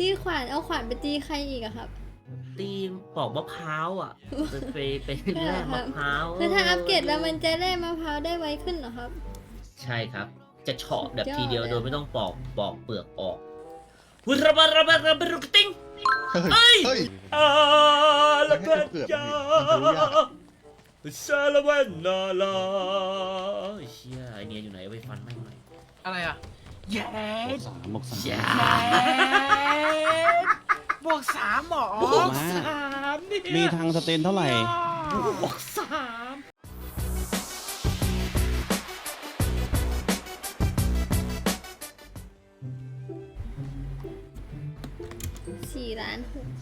ตีขวานเอาขวานไปตีใครอีกอะครับตีปอกมะพร้าวอ่ะไปแลกมะพร้าวคือถ้าอัปเกรดแล้วมันจะได้มะพร้าวได้ไวขึ้นเหรอครับใช่ครับ จะเฉาะแบบทีเดียวสุดยอดเลยโดยไม่ต้องปอกเปลือกออกวุระบาระบาระบารุกติ้งเฮ้ยอาละเพ็ดยามันรู้ยากซาลาเวนนาลาเชี่ยไอเนี้ยอยู่ไหนเอาไปฟันแม่งหน่อยอะไรอ่ะเย้บวกสามยาบวกสามหรอบวกสามเนี่ยมีทางสเตนเท่าไหร่บวกสาม 4,600,000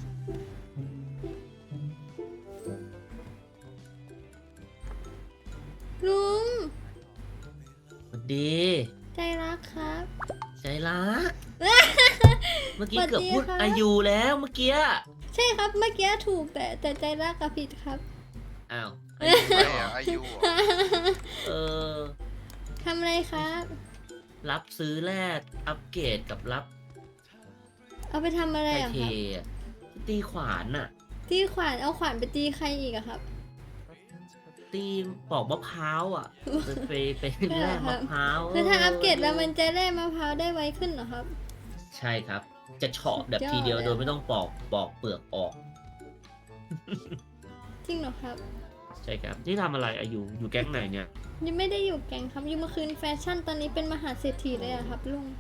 ลุงสวัสดีใจรักครับใจรัก เมื่อกี้สวัสดีเกือบพูดค่ะอายุแล้วเมื่อกี้ใช่ครับเมื่อกี้ถูกแต่ใจรักกับผิดครับอ้าวอายุเออทำอะไรครับรับซื้อแลกอัปเกรดกับรับเอาไปทำอะไรไทอะเทครับอะที่ตีขวานน่ะตีขวานเอาขวานไปตีใครอีกอะครับตีปอกมะพร้าวอ่ะไปแลกมะพร้าวคือถ้าอัปเกรดแล้วมันจะได้มะพร้าวได้ไวขึ้นเหรอครับใช่ครับ จะเฉาะแบบสุดยอดทีเดียวเลยโดยไม่ต้องปอกเปลือกออกจริงเหรอครับใช่ครับที่ทำอะไรอายุอยู่แก๊งไหนเนี่ยยังไม่ได้อยู่แก๊งครับอยู่เมื่อคืนแฟชั่นตอนนี้เป็นมหาเศรษฐีเลยอะครับลุง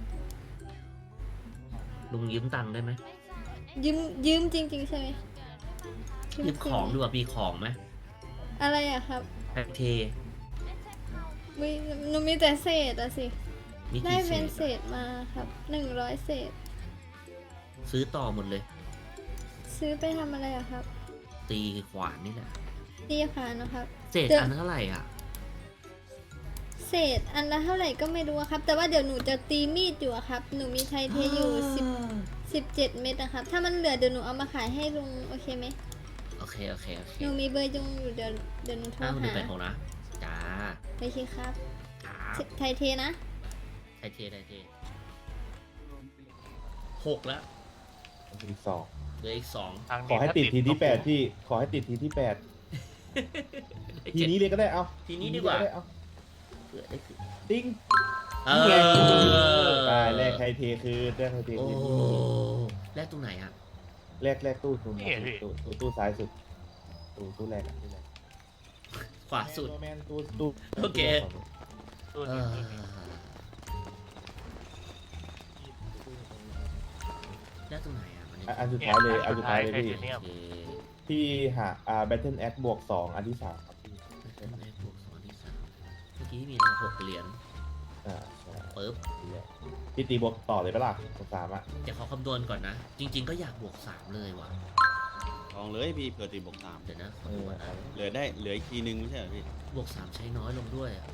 ลุงยืมตังค์ได้ไหมยืมจริง ๆ ใช่ไหมยืมของดีกว่ามีของไหมอะไรอะครับไทเทมีหนูมีแต่เศษอะสิมีได้กี่เศเป็นษเศษมาครับ100 เศษซื้อต่อหมดเลยซื้อไปทำอะไรอะครับตีขวานนี่แหละตีขวานนะครับเศษอันเท่าไหร่อ่ะเศษอันละเท่าไหร่ก็ไม่รู้อะครับ แต่ว่าเดี๋ยวหนูจะตีมีดอยู่อะครับ หนูมีไทเทอยู่17 เม็ดนะครับ ถ้ามันเหลือเดี๋ยวหนูเอามาขายให้ลุงโอเคไหมโอเคหนูมีเบอร์จุงอยู่เดี๋ยวหนูโทรคุณหาไปของนะจ้าโอเคครับครับไทเทนะไทเท6แล้วอีกสองเหลืออีก2 ขอให้ติดทีที่แปดพี่ ขอให้ติดทีที่แปดทีนี้เลยก็ได้เอาทีนี้ดีกว่าทีเอาเผื่อได้คือติ้งเอตายแรกไทยเทคือแรกไทยเทโอ้คือแลกตรงไหนอ่ะแรกตู้ตรงตู้ซ้ายสุดตู้แรกอะตู้แรกขวาสุดแมนตู้โอเคตัวเอนี้อแลกตรงไหนอ่ะมันอันสุดท้ายเลยอันสุดท้ายเลยพี่เนี่ยโอเคพี่หาBattle Axe บวก2อันที่3ครับพี่แลกบวก2ที่3เมื่อกี้มีเรา6 เหรียญใช่ปึ๊บนี่แหละพี่ตีบวกต่อเลยปะล่ะบวก3อ่ะเดี๋ยวเขาคำนวณก่อนนะ จริง ๆ ก็อยากบวก3เลยว่ะลองเลยพี่เผื่อตีบวกสามเดี๋ยวนะขอดูก่อนนะเหลืออีกทีนึงไม่ใช่เหรอพี่บวก3ใช้น้อยลงด้วยอะ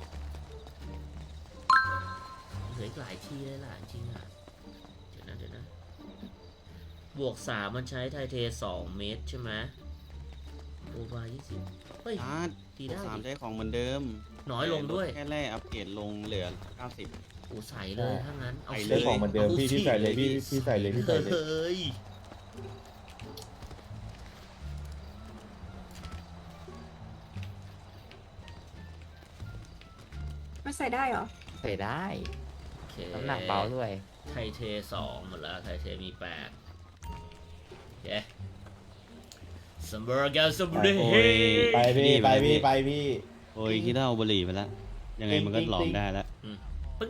เหลืออีกหลายที่เลยล่ะจริงๆอ่ะเดี๋ยวนะบวก3มันใช้ไทเท2 เมตรใช่ไหมโอบา20เฮ้ยชาร์จตีบวได้กสามดิใช้ของเหมือนเดิมน้อยลงด้วยแค่แรกอัปเกรดลงเหลือ 90 โอ้ใส่เลยถ้างั้นเอาใส่เรื่องของเหมือนเดิมพี่ใส่เลยพี่ใส่เลยพี่ใส่เลยเฮ้ยไม่ใส่ได้เหรอใส่ได้โอเคน้ำหนักเบาด้วยไทเท2หมดแล้วไทเทมี8โอเคซัมเบอร์แกซัมเบอร์โอ้ยไปพี่ไปพี่ไปพี่โอ้ยคิดว่าเอาบุหรี่ไปแล้ว ยังไงมันก็หลอมได้แล้วปึ๊ง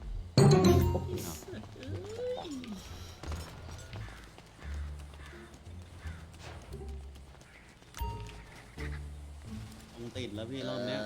ต้องติดแล้วพี่รอบเนี้ย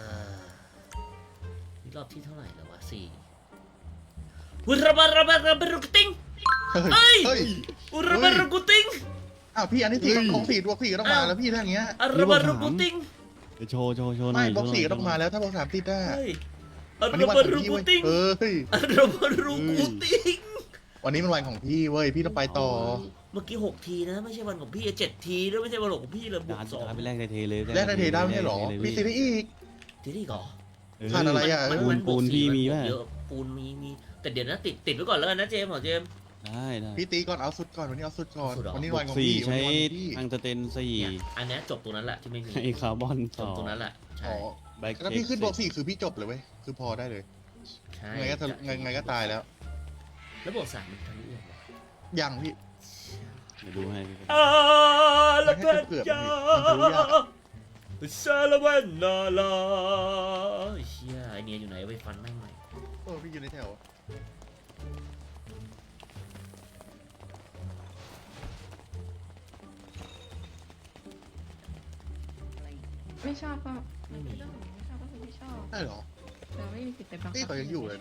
นี่รอบที่เท่าไหร่แล้ววะ4อุระบาระบาระบารุกติ้งเฮ้ยอุระบารุกุติ้งอ้าวพี่อันนี้ตีของ4บวก4ก็ต้องมาแล้วพี่ถ้าอย่างเงี้ยอุระบารุกุติ้งเดี๋ยวโชว์หน่ไม่อยบวก4ก็ต้องมาแล้วถ้าบวก3ติดได้เฮ้ยอุวันระนี้วันบาของรุพี่กุเว้ยติ้งเฮ้ยอุระบารุกุติ้งวันนี้มันวันของพี่เว้ยพี่ต้องไปต่อเมื่อกี้6 ทีนะไม่ใช่วันของพี่7 ทีด้วยไม่ใช่วันของพี่เลยบวดาก นสสุอดงท้ายไปแรกในเทเลยแลกได้เทได้ไม่ใช่หรอมีตีได้อีกทีนี้ก่อนเขาดอะไรอ่ะมันบวกปูน 4 พี่มีนบวป่ะกเยอะปูนมีแต่เดี๋ยวนะติดไว้ก่อนแล้วกันนะเจมส์ของเจมส์ได้ได้พี่ตีก่อนเอาสุดก่อนวันนี้เอาสุดก่อนเอาสุดเหรอวันนี้บววันกของสี่พี่วันใช้นี้วันของพี่ทางสเตนสี่เนี่ยอันเนี้ยจบตรงนั้นแหละที่ไม่มีไอคาร์บอนจสบองตรงนั้นแหละใช่อ๋อแบ็คถ้าพี่ขึ้นบวก4คือพี่จบเลยเว้ยคือพอได้เลยใช่ไงก็ไงก็ตายแล้วแล้วบวก3มันทะลุยังวะยังพี่เดี๋ยวดูให้พี่ละเพื่อนจ้ามันทะลุยากอะซาลาเวนนาลาเชี่ยไอเนียอยู่ไหนไปฟันแม่งหน่อยพี่อยู่ในแถวไม่ชอบก็ไม่มีเรื่องของไม่ชอบก็คือไม่ชอบได้เหรอเราไม่มีสิทธิ์ไปบังคับนี่เขายังอยู่เลยนะ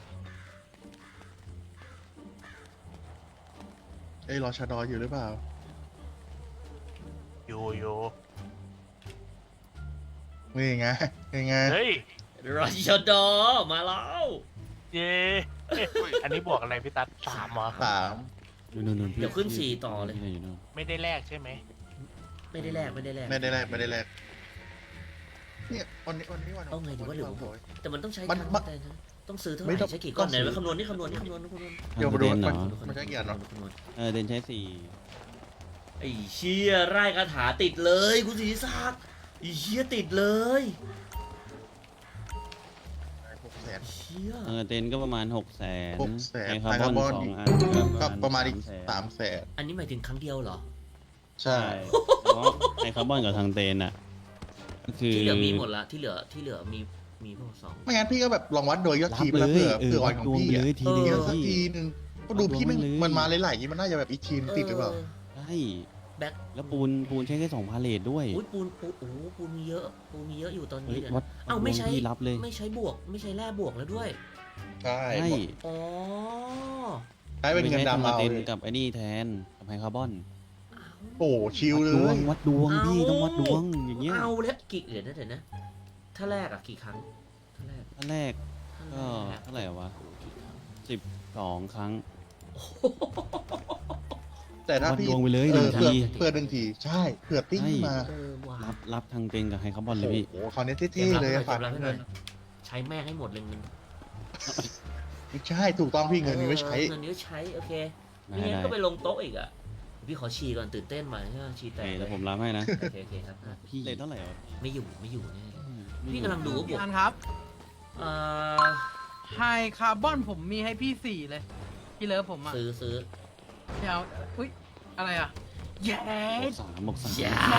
รอชาดออยู่หรือเปล่าอยู่นี่ไงนี่ไงเฮ้ยรอชดอมาแล้วเย้อันนี้บวกอะไรพี่ตั๊ด3เหรอ 3 นู่นพี่เดี๋ยวขึ้น4ต่อเลยพี่อยู่นู่นไม่ได้แลกใช่ไหมไม่ได้แลกไม่ได้แลกไม่ได้แลกเนี่ยวันนี้วันเอาไงดีว่าเดี๋ยวผมบอกแต่มันต้องใช้มันตังค์แต่นะต้องซื้อเท่าไหไม่ต้ร่องใช้กี่ก้อนต้องไหนซื้อไว้คำนวณนี่คำนวณเดี๋ยวมาดูทางสเตนเหรอมันใช้กี่อันเนาะคำนวณเดนใช้สี่ไอ้เชี่ยไร่คาถาติดเลยคุณศรีศักดิ์ไอ้เชี่ยติดเลย 600,000 เชี่ยทางสเตนก็ประมาณ600,000 600,000 ไอคาร์บอนไอคาร์บอน 2 อันก็ประมาณอีก 300,000 300,000 อันนี้หมายถึงครั้งเดียวเหรอใช่ใช่เพราะไอคาร์บอนกับทางเตนอ่ะก็คือที่เหลือมีหมดละที่เหลือมีพวกสองไม่งั้นพี่ก็แบบลองวัดโดยยอดรัทีบไปเลแล้วยเผื่ออ่อนของดวงพี่ไปเลอะยทีเดีเดียยว วสักพี่ทีนึงก็ดูพี่ดวงไปเลยมันมาหลายๆอย่างนี้มันน่าจะแบบอีกทีมติดหรือเปล่าใช่แบ็คแล้วปูนใช้แค่2 พาเลทด้วยอุ้ยปูนโอ้โหปูนมีเยอะอยู่ตอนเฮ้นี้ยเนี่ยวัดเอ้าไม่ใช้ดวงพี่รับเลยไม่ใช้บวกไม่ใช้แร่บวกแล้วด้วยใช่ใช่อ๋อใช้เป็นเงินดำมาเอาเตนกับไอ้นี่แทนกับไฮคาร์บอนโอ้ชิลเลวัดดวย งพี่ต้องวัดดวงอย่างเงี้ยเอาแล้วกี่เดี๋ยวนะถ้าแรกอะกี่ครั้งถ้าแรกอันแรกก็เท่าไหร่วะโอ้โหกี่ครั้ง 12 ครั้งแต่ถ้าวัดพี่ดวงไปเลยเออ 1 ทีเผื่อ1 ทีใช่เผื่อติ้งขึ้นมาเออว้ารับทางเตนกับไฮคาร์บอนเลยพี่โอ้โหคราวนี้เท่ๆเลยอะฝากให้หเงิน่อน ยใช้แม่งให้หมดเลยเงินไม่ใช่ถูกต้องพี่เงินนี้ไว้ใช้เงินนี้ไว้ใช้โอเคได้ไม่งั้นได้ก็ไปลงโต๊ะอีกอะพี่ขอฉี่ก่อนตื่นเต้นมาใช่ไหมฉี่แตโอเคกเลแล้ยวผมรับให้นะโอเคครับอ่ะพี่เลทเท่าไหร่วะไม่อยู่แน่พี่กำลังดูว่าบพี่วกอันครับอ่าไฮคาร์บอนผมมีให้พี่4เลยพี่เลิฟผมอ่ะซื้อเดี๋ยวอุ้ยอะไรอ่ะเย้บวกสามอย่า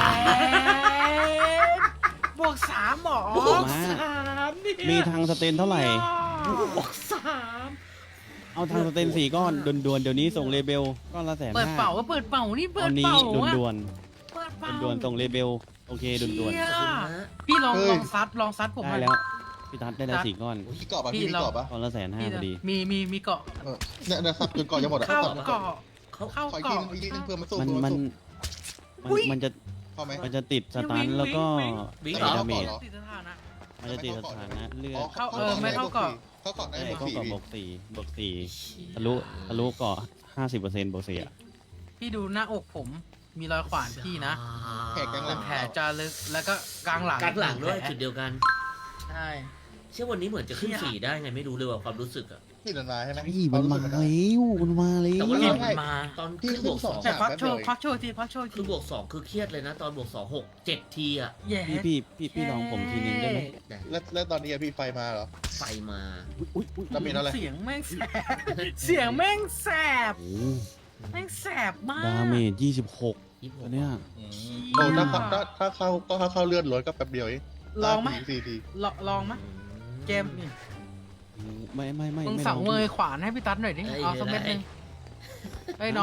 บวก3หรอบวก3เนี่ยมีทางสเตนเท่าไหร่บวก3 เอาทางสเตน4 ก้อนด่วนๆเดี๋ยวนี้ส่งเลเบลก้อนละ150,000 เปิดเป่าก็เปิดเป่านี่เปิตอดนนี้เป่าอะด่วนเปิดเป่าๆด่วนๆส่งเลเบลโอเคด่วนเชี่ยขอบคุณนะพี่ลองเฮ้ยลองซัดผมๆหได้น่อยแล้วพี่ทัดได้แล้ว4 ก้อนพี่เกาะปะพี่พี่มีเราเกาะปะก้อนละ150,000พอดีมีเกาะเนี่ยสับจนเกาะจะหมดอะเข้าสับเกาะเขาเข้าขออีกเกาะทีนึงเพื่อมาสู้มันเพื่อมัมาน สู้มันจะพอไหมมันจะติดสตันแล้วก็วิ่งใส่เหรอดาเมจติดสถานะมันจะติดสถานะเลือดเข้าไม่เข้าเกาะเข้าเกาะได้ใช่บวกก็ 4 บวก4ทะลุเกาะ50%บวก4อ่ะพี่ดูหน้าอกผมมีรอยขวานพี่นะแขกยังหลังแผลจะลึกแล้วก็กลางหลังกลางหลังด้วยแผจุดเดียวกันใช่เชื่อวันนี้เหมือนจะขึ้น4ได้ไงไม่รู้เลยว่าความรู้สึกอะพี่นันมาใช่ไหมเฮ้ยมันมาแล้วมันมาแล้แต่วว่ารอบมันมาตอนพี่ขึ้นบวกขึ้น 2 2 แต่พักโชว์ทีพักโชว์คืทีอบวก2คือเครียดเลยนะ ตอนบวก2 6 7ทีอะแย่พี่ลองผมทีนึงได้ไหมแต่แล้วตอนนี้พี่ไฟมาเหรอไฟมาอุ๊ยดาเมจอะไรเสียงแม่งแสบเสียงแม่งแสบโอ้แม่งแสบมากดาเมจ26ตัวเนี้ยโอ้ถ้าเข้าเลื่อนรถก็แป๊บเดียวเองลองไหม 4 ทีลองไหมเกมนี่ไม่มึงไม่สั่งลองเมยขวานให้พี่ตั๊ดหน่อยดิเอาสักเม็ดนึงเฮ้ยน้อง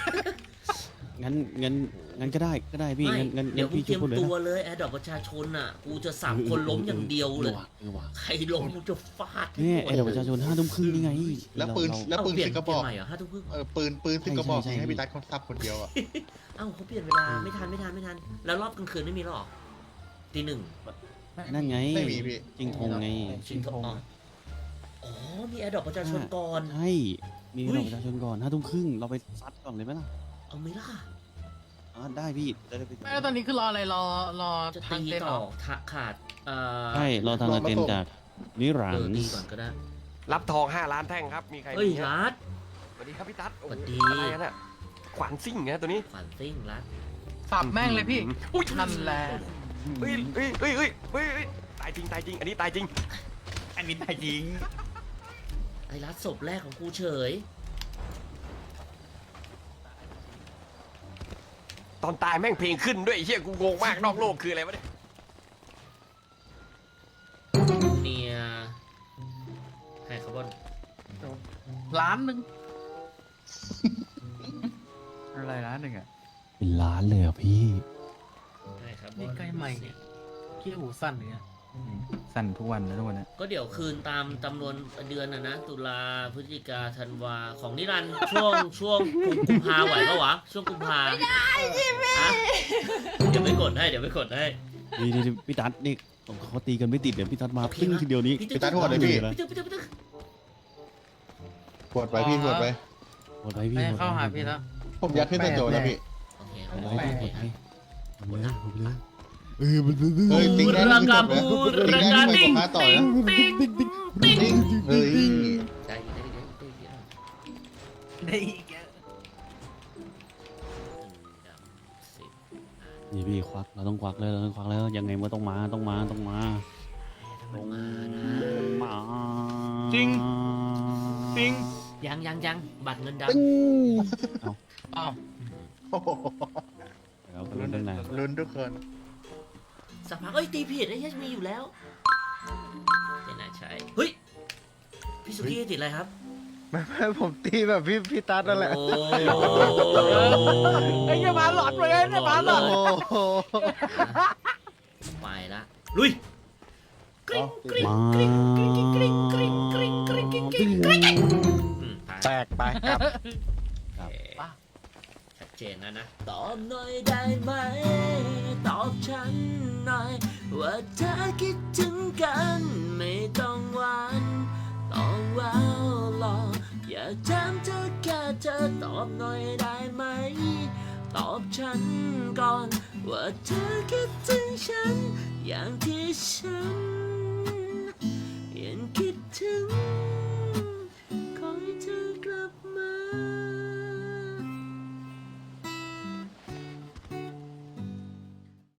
งั้นก็ได้พี่ไม่งั้นเดี๋ยวกูพี่เตรีช่วยยมพูดเลยตัวนะเลยแอดดอกประชาชนอ่ะ กูจะสับคนล้มอย่างเดียวเลยออว่ะใครล้มกูจะฟาดเนี่ยไอ้เด็กประชาชน5 ทุ่มครึ่งนี่ไงแล้วปืนเราแล้วปืนเปลี่ยสิงกระบอกใหม่เหรอ5 ทุ่มครึ่งปืนสิงกระบอกใช่ยิงให้พี่ตัดคนซับคนเดียวอ่ะเอ้าเขาเปลี่ยนเวลาไม่ทัน แล้วรอบกลางคืนไม่มีหรอตี 1 นั่นไงไม่มีพี่จริงทงไงชิงทองอ๋อมีแอดดอกประชาชนก่อนใช่มีเด็กประชาชนก่อน5 ทุ่มครึ่งเราไปซัดก่อนเลยไหมล่ะเอาไหม่ล่ะได้พี่ได้ไปไม่แล้วตอนนี้คือรออะไรรอจะทางตีเต้นเหต่รออขาดใช่รอทางเต็นจากนิรันดตีร์ก่อนก็ได้รับทอง5 ล้านแท่งครับ มีใครเฮ้ยมีฮะรัดวัสดีครับพี่ตั๊ดโอ้สวัสโหดีอะไรกันอะขวานซิ่งไงตัวนี้ขวัญซิ่งรัดสับแม่งเลยพี่อุ้ยนั่นแหละเฮ้ยเฮ้ยเฮ้ยเฮ้ยเฮ้ยเฮ้ยตายจริงตายจริง อันนี้ตายจริงอันนี้ตายจริงไอ้รัดศพแรกของกูเฉยตอนตายแม่งเพลงขึ้นด้วยไอ้เฮียกูงงมากนอกโลกคืออะไรวะเนี่ยเนี่ยให้คาร์บอนล้านหนึ่งอะไรร้านหนึ่งอ่ะ เป็นล้านเลยอ่ะพี่ให้คาร์บอนี่นใกล้ใหม่เนี่ยขี้หูสั้นอย่างเงี้ยสั่นทุกวันนะทุกวันนะก็เดี๋ยวคืนตามจำนวนเดือนนะตุลาพฤศจิกาธันวาของนิรันดร์ช่วงกุมภาไหวปะวะช่วงกุมภาไม่ได้จิมมี่เดี๋ยวไปกดให้นี่พี่ตั๊ดนี่เขาตีกันไม่ติดเดี๋ยวพี่ตั๊ดมาปึ้งทีเดียวนี้พี่ตัดหัวเลยพี่พี่ตึ๊กปวดไปพี่ปวดไปหมดไปพี่ไม่เข้าหาพี่แล้วผมยัดขึ้นใส่โจแล้วพี่โอเคหมดโอไปเคพี่โอหมเคดไปหมดเลยหมดเลยมันเฮ้ยติ๊งได้ราที่คาจบแล้วบูติ๊งราได้คาที่ติ้งไม่ต่อติ้งนะติ้งติ้งติ๊งเฮ้ยได้ได้อีกนี่พี่ควักเราต้องควักแล้วเราต้องควักแล้วยังไงมันต้องมาต้องมาต้องมานะมาจริงยังบัตรเงินดอ้าวโอ้โหเราไปเรื่องไหนลุ้นทุกคนำสักพักตีผิดไอ้เหี้ยมีอยู่แล้วไม่น่าใช่เฮ้ยพี่สุกี้ติดอะไรครับไม่ผมตีแบบพี่ตั๊ดนั่นแหละโอ้ไอ้เหี้ยหมาหลอนเลยเนี่ยหมาหลอนโอ้โหไปละลุยกริ๊งกริ๊งมากริ๊งกริ๊งกริ๊งกริ๊งกริ๊งกริ๊งกริ๊งกริ๊งกริ๊งผ่านแตกไปครับชัดเจนนะตอบหน่อยได้ไหมตอบฉันหน่อยว่าเธอคิดถึงกันไม่ต้องหวานต้องแววหลอกอยากถามเธอแค่เธอตอบหน่อยได้ไหมตอบฉันก่อนว่าเธอคิดถึงฉันอย่างที่ฉันยังคิดถึง